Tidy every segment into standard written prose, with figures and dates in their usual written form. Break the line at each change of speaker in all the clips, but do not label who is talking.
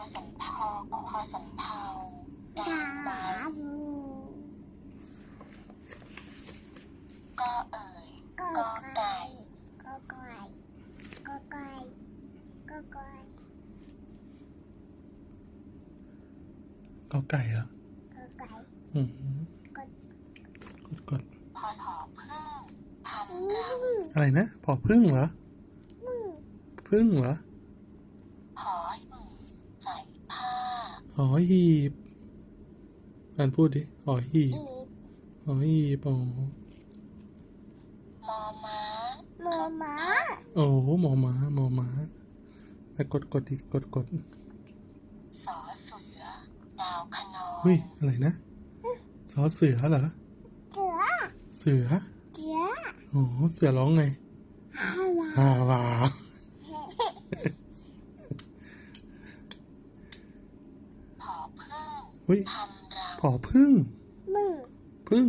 สำเภาขอสำเภาดาไม้ก็เอ่ยก็ไก่ก็ไก่ก็ไก่ก็ไก่
กอไก่เหรอ
ก็ไก่
อืม
กด
กด
พอถอพึ่งทำรัง
อะไรนะผอพึ่งเหรอพึ่งเหรอ
หอหีบใส่ผ้า
หอหีบอ่านพูดดิหอหีบ
อีบ
หอหีบอ๋อ
มอม้าโมม้า
โอ้หมอม้าหมอม้าแล้วกดอีกกด
สอเสือดาวคะนอง
เฮ้ยอะไรนะซอเสือเหรอ
เสือ
เสือ
เสือ
โอ้เสือร้องไง
ฮาวา
ฮาวา
ผอพึ่ง
เฮ้ย
ทำรัง
ผอพึ่ง
มึง
พึ่ง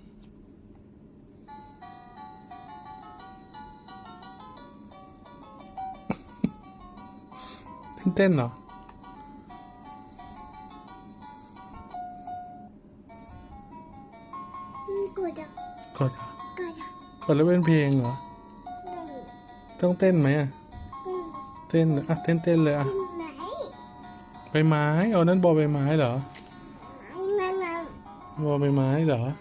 เต้นเหรอ
กูจะ
กดเหรอ
กูจะ
กดแล้วเป็นเพลงเหรอ
มึง
ต้องเต้นไหมอ่ะ
มึง
เต้นเหรออ่ะเต้นเลยอ่ะ
ไหน
ใบไม้เอานั่นบอใบไม้เหรอ
ไอ้นั่นน่ะ
บอใบไม้เหรอ